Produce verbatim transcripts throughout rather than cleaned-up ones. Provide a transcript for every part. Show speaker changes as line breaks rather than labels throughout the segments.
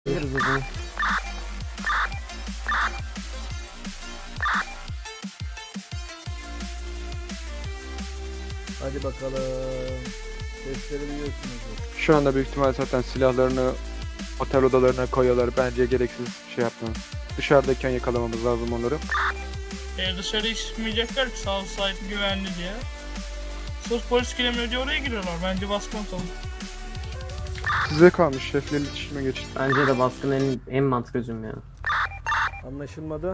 Biliriz o zaman.
Hadi bakalım. Sesleri duyuyorsunuz.
Şu anda büyük ihtimal zaten silahlarını otel odalarına koyuyorlar. Bence gereksiz şey yapmayın. Dışarıdayken yakalamamız lazım onları.
E, dışarı çıkmayacaklar ki sağ sahip güvenli diye. Sırf polis giremiyor diye oraya giriyorlar. Bence baskın atalım.
Size kalmış, şefle iletişime geçin.
Bence de baskın en, en mantıklı çözüm ya.
Anlaşılmadı.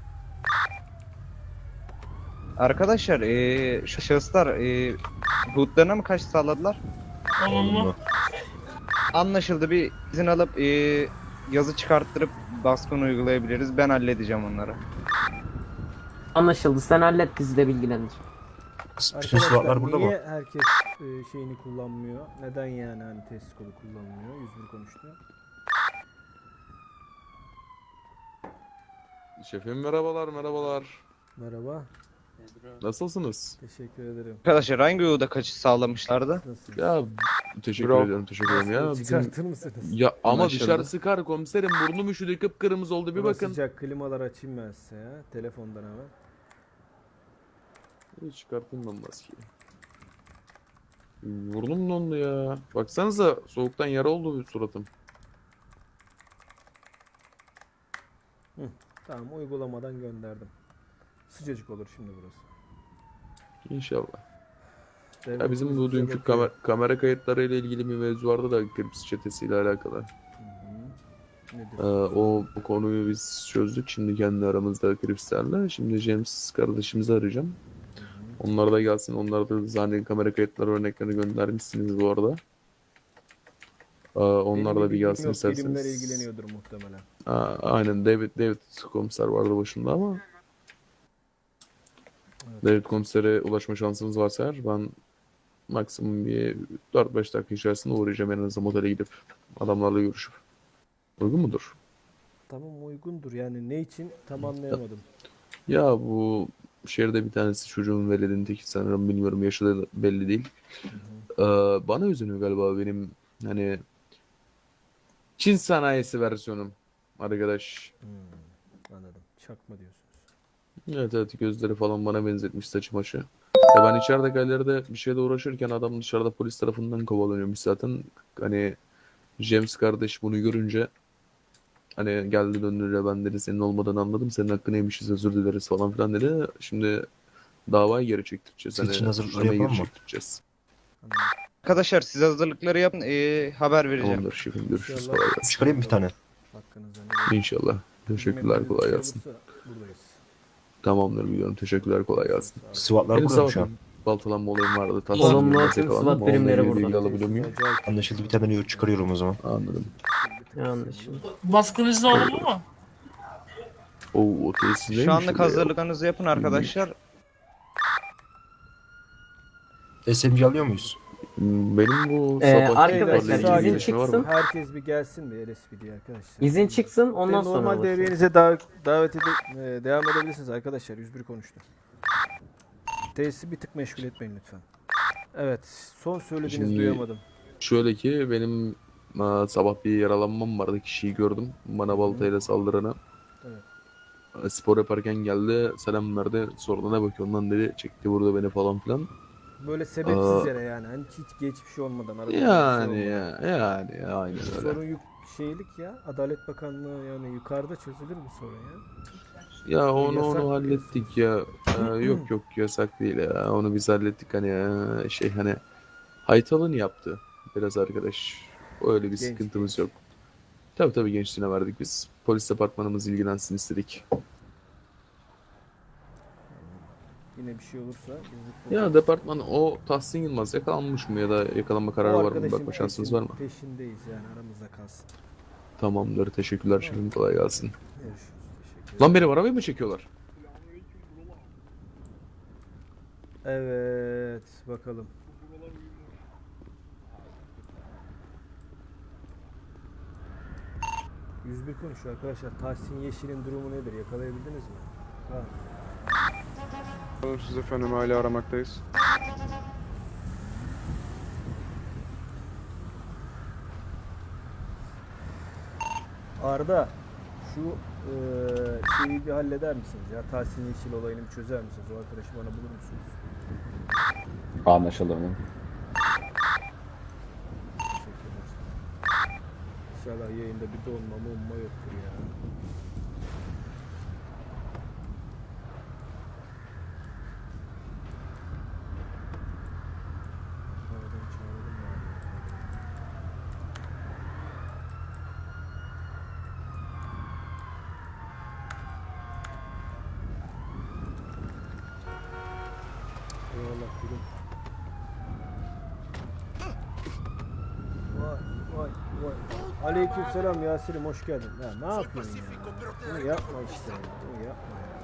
Arkadaşlar eee şu şahıslar eee hudlarına mı kaç sağladılar?
Olumlu.
Anlaşıldı, bir izin alıp eee yazı çıkarttırıp baskın uygulayabiliriz. Ben halledeceğim onları.
Anlaşıldı. Sen hallet, bizi de bilgilendir.
Bütün slotlar burada
niye
mı?
herkes e, şeyini kullanmıyor? Neden yani hani test kolu kullanmıyor? yüz bir konuştu.
Şefim merhabalar merhabalar.
Merhaba.
Nasılsınız?
Teşekkür ederim.
Arkadaşlar hangi huda kaçış sağlamışlardı?
Nasılsınız?
Ya teşekkür
Bravo.
ederim teşekkür ederim ya.
Maskeyi
Bizim...
çıkartır mısınız?
Ya ama
Anlaşıldı.
dışarı sıkar komiserim, burnum üşüdü, kıpkırmızı oldu, bir
Hava
bakın.
Sıcak klimalar açayım ben size ya. Telefondan hemen.
Bir çıkartayım ben maskeyi. Burnum dondu ya. Baksanıza soğuktan yara oldu suratım.
Tamam, uygulamadan gönderdim. Sıcacık olur şimdi burası.
İnşallah.
Devlet
Ya bizim bu
bize
dünkü
bakıyor.
kamer kamera kayıtları ile ilgili bir mevzu vardı da Krips çetesiyle alakalı.
Hı hı. Nedir?
Ee, o bu konuyu biz çözdük. Şimdi kendi aramızda Kripslerle. Şimdi James kardeşimizi arayacağım. Onlar da gelsin. Onlar da zaten kamera kayıtları örneklerini göndermişsiniz bu arada. Ee, onlar
Benim
da bir
bilgim
gelsin
yok,
isterseniz.
bilimler ilgileniyordur muhtemelen.
Aa, aynen David David komiser vardı başında ama
Evet.
David komisere ulaşma şansımız varsa eğer ben maksimum bir dört beş dakika içerisinde uğrayacağım, en azından otele gidip adamlarla görüşüp. Uygun mudur?
Tamam, uygundur yani, ne için tam anlayamadım.
Ya bu şehirde bir tanesi çocuğun veledinin teki sanırım, bilmiyorum, yaşı da belli değil. Ee, bana üzülüyor galiba benim hani Çin sanayisi versiyonum arkadaş.
Hmm, anladım. Çakma diyorsunuz.
Evet evet, gözleri falan bana benzetmiş, saçı maşı. Ya ben içeride galeride bir şeyle uğraşırken adam dışarıda polis tarafından kovalanıyormuş zaten. Hani James kardeş bunu görünce hani geldi döndü de ben dedi senin olmadan anladım, senin hakkını yemişiz, özür dileriz falan filan dedi. Şimdi davayı geri çektireceğiz.
Siz için
Hani
hazırlıkları
suçlamayı
yapalım
geri
mı?
çektireceğiz.
Anladım.
Arkadaşlar siz hazırlıkları yapın, eee, haber vereceğim.
Tamamdır şefim, görüşürüz,
İnşallah.
kolay gelsin.
Çıkarayım bir tane.
Hakkınızda ne
İnşallah. Teşekkürler, kolay gelsin.
Buradayız.
Tamamdır, biliyorum. Teşekkürler, kolay gelsin.
Sağ olun.
SWAT'lar
Benim
burada mı şu an?
sabah baltalanma olayım vardı.
Olumlu,
Tasarım
tüm
yakalandım.
SWAT
Onunla
birimleri
ilgili bilgi
burada.
alabiliyor muyum?
Acayip.
Anlaşıldı, bir tane yok çıkarıyorum o zaman.
Anladım.
Anlaşıldı.
Baskın izni olumlu mu?
Oo, o tesisindeymiş
Şu anlık
öyle ya.
hazırlıklarınızı yapın arkadaşlar.
S M G alıyor muyuz?
Hmm, Benim bu
Ee,
sabah
arkadaşlar,
ihbarla ilgili
izin
gelişme var
çıksın.
mı?
Herkes bir gelsin bir L S P D'ye arkadaşlar.
İzin çıksın, ondan
Ve
sonra
normal
ulaşalım.
devriyenize davet, davet edip e, devam edebilirsiniz arkadaşlar. yüz bir konuştu. Tesisi bir tık meşgul etmeyin lütfen. Evet, son söylediğinizi
Şimdi-
duyamadım.
Şöyle ki benim aa, sabah bir yaralanmam vardı. Kişiyi gördüm. Bana baltayla saldırana.
Evet.
Aa, Spor yaparken geldi. Selam verdi. Sonra ne bakıyorsun lan dedi. Çekti burada beni falan filan.
Böyle sebepsiz
Aa.
yere yani. Hani hiç geçmiş olmadan. arada bir şey
Yani
olmadan.
ya. Yani ya, aynen öyle.
Sorun yük şeylik ya. Adalet Bakanlığı yani yukarıda çözülür mü sorun ya?
Ya onu
Yasak
onu
mı
hallettik ya. Aa, yok yok, yasak değil ya. Onu biz hallettik hani ya. Şey hani haytalını yaptı biraz arkadaş. Öyle bir
Genç,
sıkıntımız
genç.
yok. Tabii tabii, gençliğine verdik biz. Polis departmanımız ilgilensin istedik.
Yine bir şey olursa. biz-
Ya departman o Tahsin Yılmaz yakalanmış mı ya da yakalanma kararı
O
var mı?
arkadaşın
Bakma şansınız
peşin-
var mı?
Peşindeyiz yani, aramızda kalsın.
Tamamdır. Teşekkürler şefim. Kolay gelsin.
Görüşürüz. Teşekkür
Lan benim arabayı mı çekiyorlar?
Evet, bakalım. yüz bir konuşuyor arkadaşlar. Tahsin Yeşil'in durumu nedir? Yakalayabildiniz mi? Ha.
Siz efendim, hala aramaktayız.
Arda şu eee şeyi bir halleder misiniz ya? Tahsin Yeşil olayını bir çözer misiniz? O arkadaşı bana bulur musunuz?
Anlaşılır mı?
Teşekkürler. İnşallah yayında bir donma mumma yoktur ya. Aradan çağıralım mı abi? Eyvallah gülüm. Vay vay vay. Aleykümselam Yasir'im, hoş geldin. Ya ne yapıyorsun ya? Bunu yapma işte. ya, Bunu yapma ya.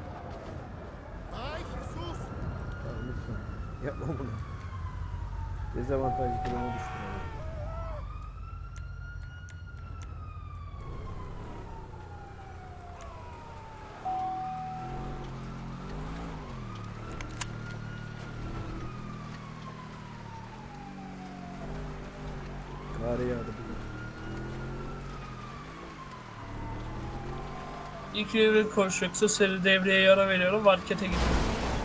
Ya lütfen yapma bunu. Dezavantajlı duruma düştüm. ya. Kar yağdı bugün.
İki bir koşacaksa seri devreye yara veriyorum. Markete gidiyorum.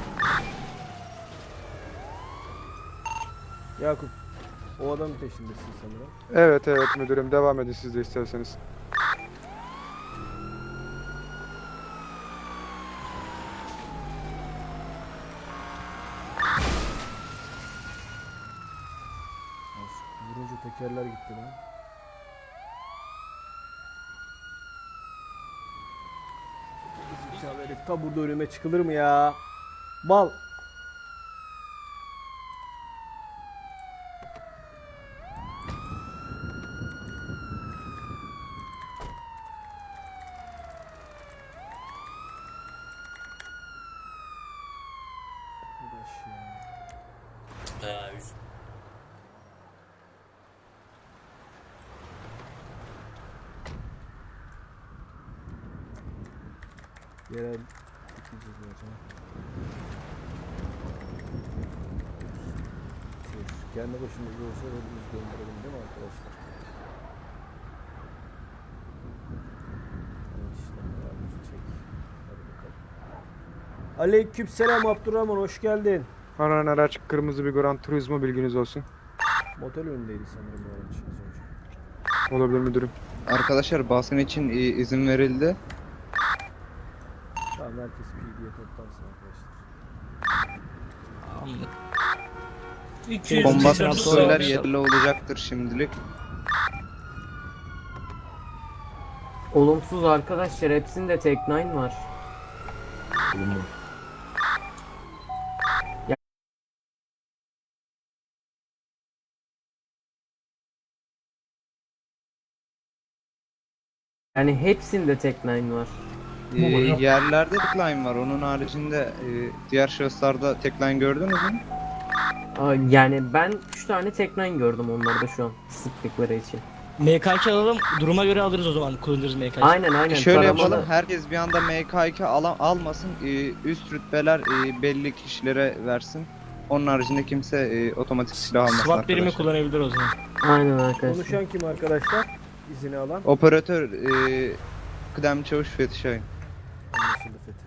Yakup, o adamın peşindesin sanırım.
Evet evet müdürüm, devam edin siz de isterseniz.
Vurunca tekerler gitti lan. Zekalı herif, ta burada önüme çıkılır mı ya? Bal. Arkadaş ya. Yerel gideceğiz o zaman. Tüh, kendi başımızda olsa elimiz döndürelim değil mi arkadaşlar? Evet işte ayağımızı çek. Hadi bakalım. Aleykümselam Abdurrahman, hoş geldin.
Aranan araç kırmızı bir Gran Turismo, bilginiz olsun.
Motel önündeydi sanırım bu araç az önce.
Olabilir müdürüm.
Arkadaşlar baskın için e, izin verildi.
Tamam, herkes P D'ye toplansın arkadaşlar.
iki yüz
Kombatör
metre
söyler
sağ-
yerli olacaktır şimdilik.
Olumsuz arkadaşlar, hepsinde tek nine var.
Olumlu.
Yani hepsinde tek nine var.
E, yerlerde decline var. Onun haricinde e, diğer şahıslarda decline gördünüz mü?
Aa, Yani ben üç tane tek nine gördüm onlarda şu an sıktıkları için.
M K iki alalım, duruma göre alırız o zaman, kullanırız M K iki.
Aynen aynen.
Şöyle
taramalı.
yapalım. Herkes bir anda M K iki ala- almasın. E, üst rütbeler e, belli kişilere versin. Onun haricinde kimse e, otomatik silah almasın
SWAT birimi
arkadaşlar.
kullanabilir o zaman.
Aynen arkadaşlar.
Konuşan kim arkadaşlar? İzini alan.
Operatör e, kıdem çavuş Fethi Şahin.
Anlaşıldı Fethi.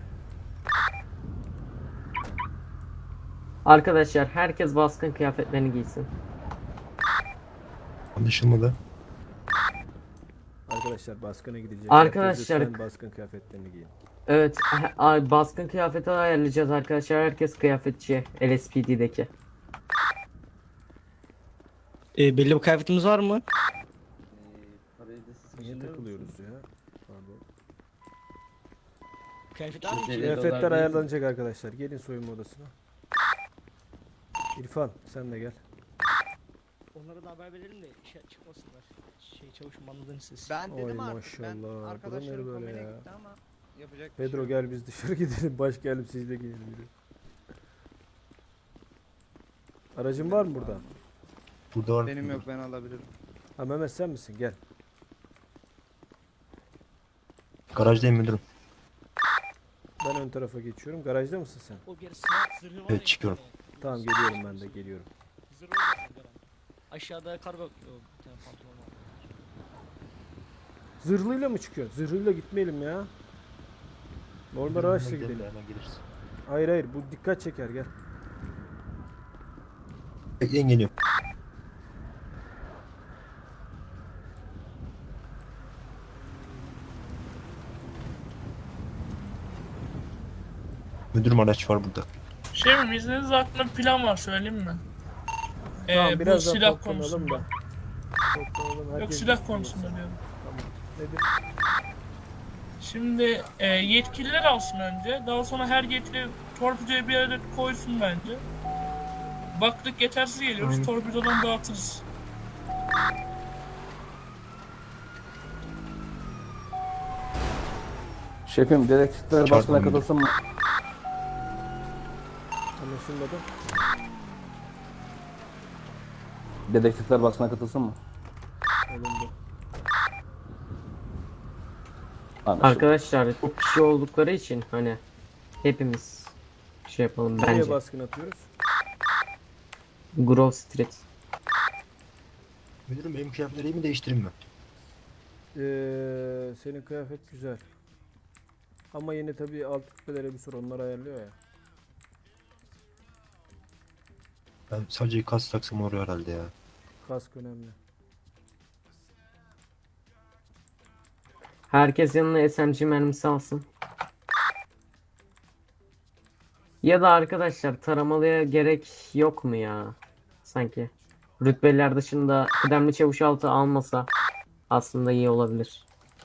Arkadaşlar herkes baskın kıyafetlerini giysin.
Anlaşılmadı.
Arkadaşlar baskına gidecek.
Arkadaşlar-
Herkes lütfen baskın kıyafetlerini giyin.
Evet, ha- a- baskın kıyafeti ayarlayacağız arkadaşlar. Herkes kıyafetçi L S P D'deki.
Ee, belli bir kıyafetimiz var mı?
Niye takılıyoruz ya? Pardon.
Kıyafet var mı?
Kıyafetler ayarlanacak arkadaşlar. Gelin soyunma odasına. İrfan sen de gel.
Onlara da haber verelim de şey çıkmasınlar. Şey çavuşum anladın siz.
Ben
Oy
dedim artık.
maşallah,
Ben
bu da
arkadaşlarım
ne böyle
komene
ya?
gitti ama yapacak bir
Pedro
şey yok.
gel biz dışarı gidelim. Baş gelip siz de gelin. yürü. Aracın var mı burada?
Burada var.
Benim yok, ben alabilirim.
Ha Mehmet sen misin? Gel.
Garajdayım müdürüm.
Ben ön tarafa geçiyorum. Garajda mısın sen?
O bir SWAT zırhı var
Evet,
ya,
çıkıyorum.
bir
Tamam geliyorum ben de geliyorum.
tane. Zırhı var zaten Garan. Aşağıda kargo... Yok, bir tane pantolon var.
Zırhlıyla mı çıkıyor? Zırhlıyla gitmeyelim ya. Normal araçla
Gidelim de
gidelim.
Hemen geliriz.
Hayır hayır, bu dikkat çeker, gel.
Bekleyin geliyorum. Müdürüm araç var burada.
Şey mi, izninizle aklımda bir plan var, söyleyeyim mi? Ee,
Tamam,
bu
birazdan
silah
toplanalım
konusunda.
da. Toplanalım,
Yok,
herkes
silah
gitsin
konusunda
olsun.
diyorum.
Tamam. Nedir?
Şimdi e, yetkililer alsın önce. Daha sonra her yetkili torpidoyu bir yere koysun bence. Baktık yetersiz geliyoruz.
Aynen.
Torpidodan dağıtırız.
Şefim dedektifler
Çarpma
basına
müdür.
katılsın mı?
Anlaşılmadı.
Dedektifler basına katılsın mı?
Alındı.
Anlaşıldı.
Arkadaşlar çok kişi oldukları için hani hepimiz şey yapalım
Nereye
bence.
baskın atıyoruz?
Grove Street.
Müdürüm benim kıyafetleri mi değiştireyim mi?
Ee, senin kıyafet güzel. Ama yine tabii alt kütlelere bir sor, onlar ayarlıyor ya.
Ben sadece kas taksam oluyor herhalde ya.
Kask önemli.
Herkes yanına S M G mermisi alsın. Ya da arkadaşlar taramalıya gerek yok mu ya? Sanki. Rütbeliler dışında kıdemli çavuş altı almasa aslında iyi olabilir.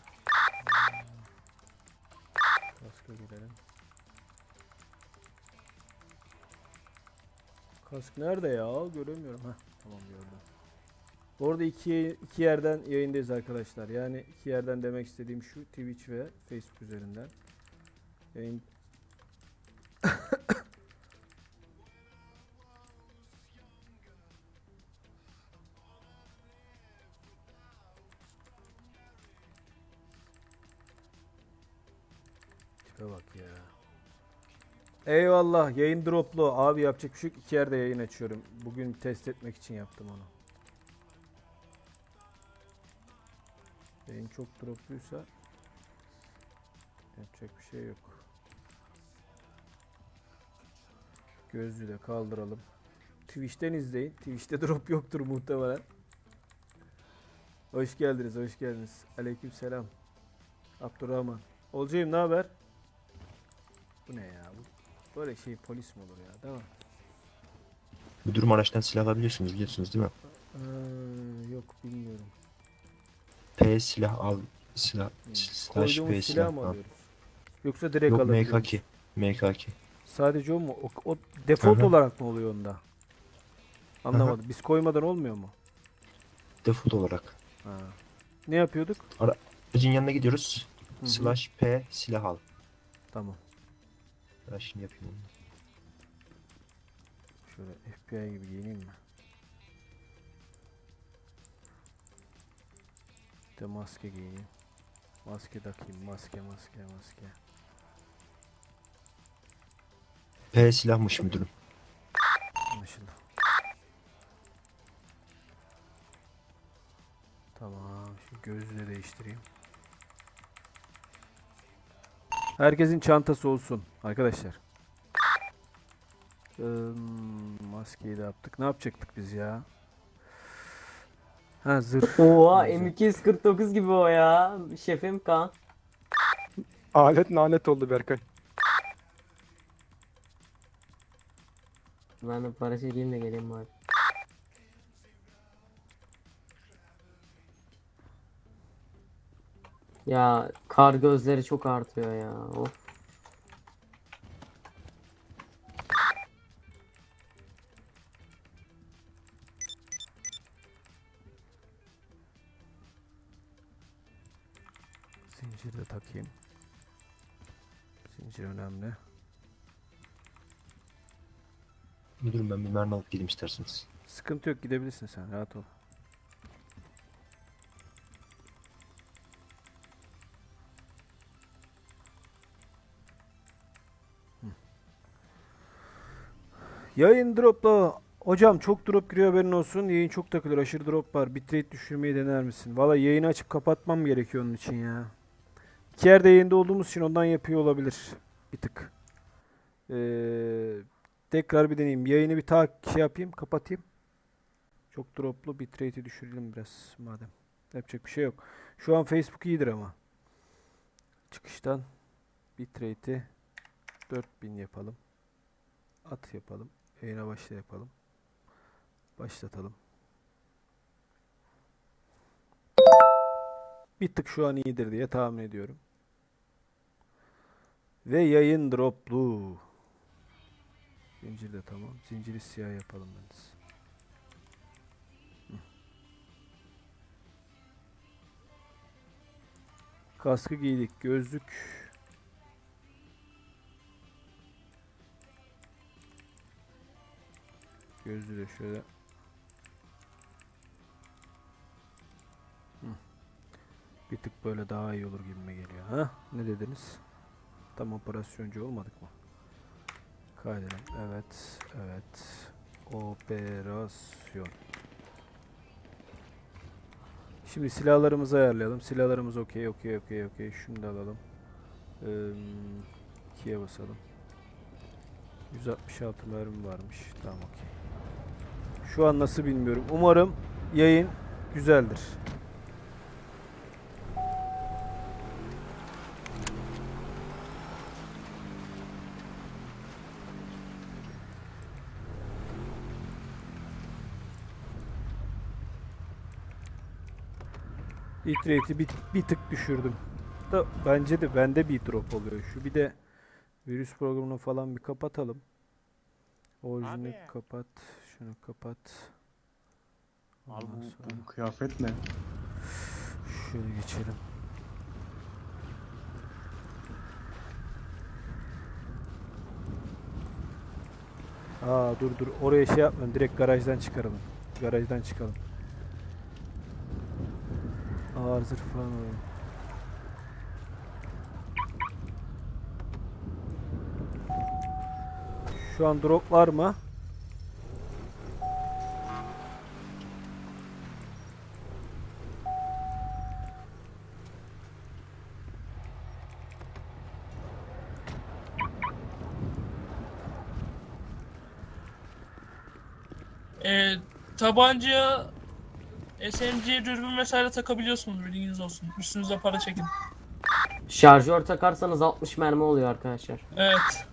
Kask'a gidelim. Kask nerede ya? Göremiyorum. Heh, tamam gördüm. Bu arada iki, iki yerden yayındayız arkadaşlar. Yani iki yerden demek istediğim şu: Twitch ve Facebook üzerinden. Yayın... Tipe bak ya. Eyvallah, yayın droplu. Abi yapacak bir şey yok. İki yerde yayın açıyorum. Bugün test etmek için yaptım onu. Yayın çok dropluysa yapacak bir şey yok. Gözlüğü de kaldıralım. Twitch'ten izleyin. Twitch'te drop yoktur muhtemelen. Hoş geldiniz, hoş geldiniz. Aleykümselam. Abdurrahman. Olcayım, ne haber? Bu ne ya? Bu böyle şey polis mi olur ya, değil mi?
Müdürüm araçtan silah alabiliyorsunuz biliyorsunuz değil mi?
Ee, yok bilmiyorum.
P silah al. Silah. Slash
Koyduğumuz
P
silah
silah
mı
al.
alıyoruz? Yoksa direkt
Yok
alabiliyor
M K
muyuz?
iki. M K iki.
Sadece o mu? O, o default
Hı hı.
olarak mı oluyor onda? Anlamadım. Biz koymadan olmuyor mu?
Default olarak.
Ha. Ne yapıyorduk?
Aracın yanına gidiyoruz.
Hı hı.
Slash P silah al.
Tamam.
Ben şimdi yapayım onu.
Şöyle F B I gibi giyineyim mi? Bir de maske giyineyim. Maske takayım. Maske, maske, maske.
P silahmış müdürüm.
Anlaşıldı. Tamam. Şu gözlüğü de değiştireyim. Herkesin çantası olsun arkadaşlar. Hmm, maskeyi de yaptık. Ne yapacaktık biz ya? Ha, zırh.
Oha
Güzel.
M iki yüz kırk dokuz gibi o ya. Şefim Kaan.
Alet nalet oldu Berkay.
Ben de para çekeyim de geleyim bari. Ya kar gözleri çok artıyor ya. Of.
Zinciri de takayım. Zincir önemli.
Müdürüm ben bir mermi alıp geleyim isterseniz.
Sıkıntı yok, gidebilirsin sen, rahat ol. Hı. Yayın dropla Hocam çok drop giriyor, haberin olsun. Yayın çok takılır. Aşırı drop var. Bitrate düşürmeyi dener misin? Valla yayını açıp kapatmam gerekiyor onun için ya. İki yerde yayında olduğumuz için ondan yapıyor olabilir. Bir tık. Ee, tekrar bir deneyeyim. Yayını bir ta şey yapayım, kapatayım. Çok droplu, bitrate'i düşürelim biraz madem. Yapacak bir şey yok. Şu an Facebook iyidir ama. Çıkıştan bitrate'i dört bin yapalım. At yapalım. Yayına başla yapalım. Başlatalım. Bir tık şu an iyidir diye tahmin ediyorum. Ve yayın droplu. Zincir de tamam. Zinciri siyah yapalım ben. Kaskı giydik. Gözlük. Gözlüğü de şöyle. Hı. Bir tık böyle daha iyi olur gibime geliyor. Ha? Ne dediniz? Tam operasyoncu olmadık mı? Kaydedelim. Evet. Evet. Operasyon. Şimdi silahlarımızı ayarlayalım. Silahlarımız okey, okey, okey, okey. Şunu da alalım. Ee, ikiye basalım. yüz altmış altı mermi varmış. Tamam, okey. Şu an nasıl bilmiyorum. Umarım yayın güzeldir. Bitrate'i bir, bir tık düşürdüm. Da bence de bende bir drop oluyor. Şu bir de virüs programını falan bir kapatalım. Orijini kapat. Şunu kapat.
Abi
Ondan
bu,
sonra
bu kıyafet ne?
şöyle geçelim. Aa dur dur. Oraya şey yapmayalım. Direkt garajdan çıkaralım. Garajdan çıkalım. Ağır zırh falan alalım. Şu an drop var mı?
Ee, tabanca, S M G, dürbün vesaire takabiliyorsunuz, bilginiz olsun. Üstünüze para çekin.
Şarjör takarsanız altmış mermi oluyor arkadaşlar.
Evet.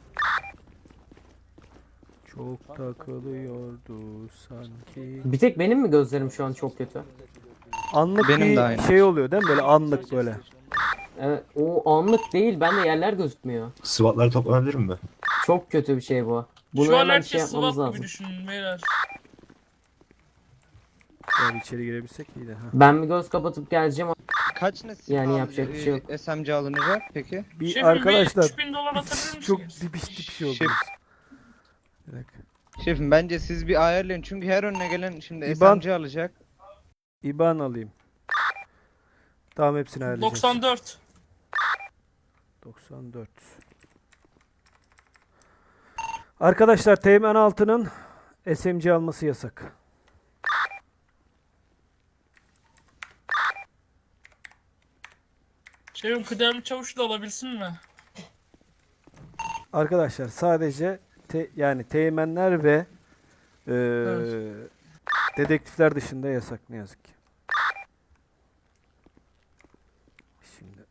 Çok takılıyordu sanki.
Bir tek benim mi gözlerim şu an çok kötü?
Anlık
Benim
bir
de aynı.
şey oluyor değil mi? Böyle anlık böyle.
Evet, o anlık değil. Bende yerler gözükmüyor.
SWAT'ları toplanabilir mi?
Çok kötü bir şey bu. Bunu
Şu an
hemen şey
herkes
yapmamız
SWAT
lazım.
gibi düşünün beyler.
Yani içeri girebilsek iyiydi. Ha.
Ben bir göz kapatıp geleceğim.
Kaç ne silah
Yani yapacak bir şey yok.
e, S M C alınacak peki?
Bir
Şefim,
arkadaşlar
bir üç bin dolar atabilir
çok
misiniz?
dibiş bir şey oldu.
Şef.
Bir dakika.
Şefim bence siz bir ayarlayın çünkü her önüne gelen şimdi
İban-
S M C alacak.
İban alayım. Tamam, hepsini ayarlayacağız.
doksan dört.
doksan dört. Arkadaşlar Teğmen altının S M C alması yasak.
Şefim, kıdemli çavuş da alabilsin mi?
Arkadaşlar sadece te- yani teğmenler ve eee,
Evet.
dedektifler dışında yasak ne yazık ki. Şimdi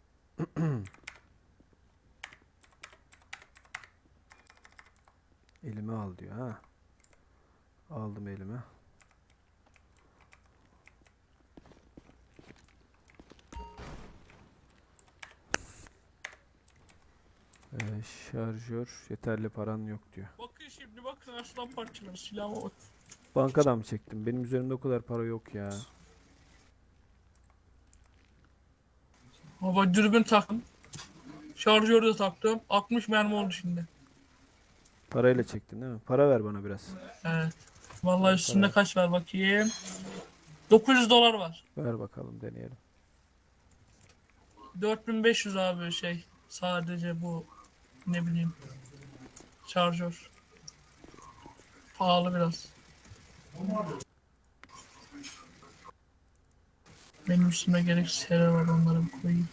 elime al diyor ha. Aldım elime. Ee, şarjör yeterli paran yok diyor.
Bakın şimdi, bakın aslan parçaları, silahıma bak.
Bankadan mı çektim? Benim üzerimde o kadar para yok ya.
Baba, dürbün taktım. Şarjörü de taktım. altmış mermi oldu şimdi.
Parayla çektin değil mi? Para ver bana biraz.
Evet. Vallahi üstünde kaç var bakayım. dokuz yüz dolar var.
Ver bakalım deneyelim.
dört bin beş yüz abi şey. Sadece bu, ne bileyim, şarjör. Pahalı biraz. Benim üstüme gereksiz şeyler var, onları bir koyayım.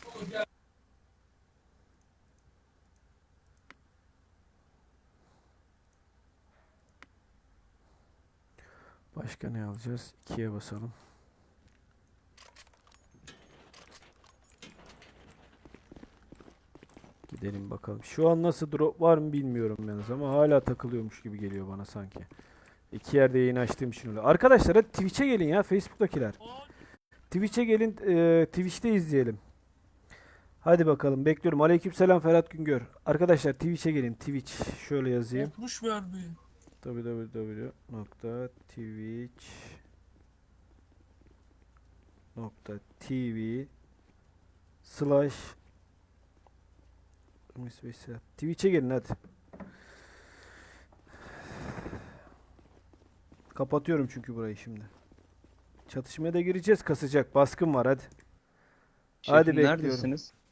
Başka ne alacağız? ikiye basalım. Gidelim bakalım. Şu an nasıl drop var mı bilmiyorum yalnız ama hala takılıyormuş gibi geliyor bana sanki. İki yerde yayın açtığım için öyle. Arkadaşlar hadi Twitch'e gelin ya, Facebook'takiler. Twitch'e gelin, e, Twitch'te izleyelim. Hadi bakalım, bekliyorum. Aleykümselam Ferhat Güngör. Arkadaşlar Twitch'e gelin. Twitch şöyle yazayım.
Korkmuş verdi.
w w w nokta twitch nokta tv slash Twitch'e gelin hadi. Kapatıyorum çünkü burayı şimdi. Çatışmaya da gireceğiz, kasacak. Baskın var hadi.
Şefim
Hadi bekliyorum.
neredesiniz?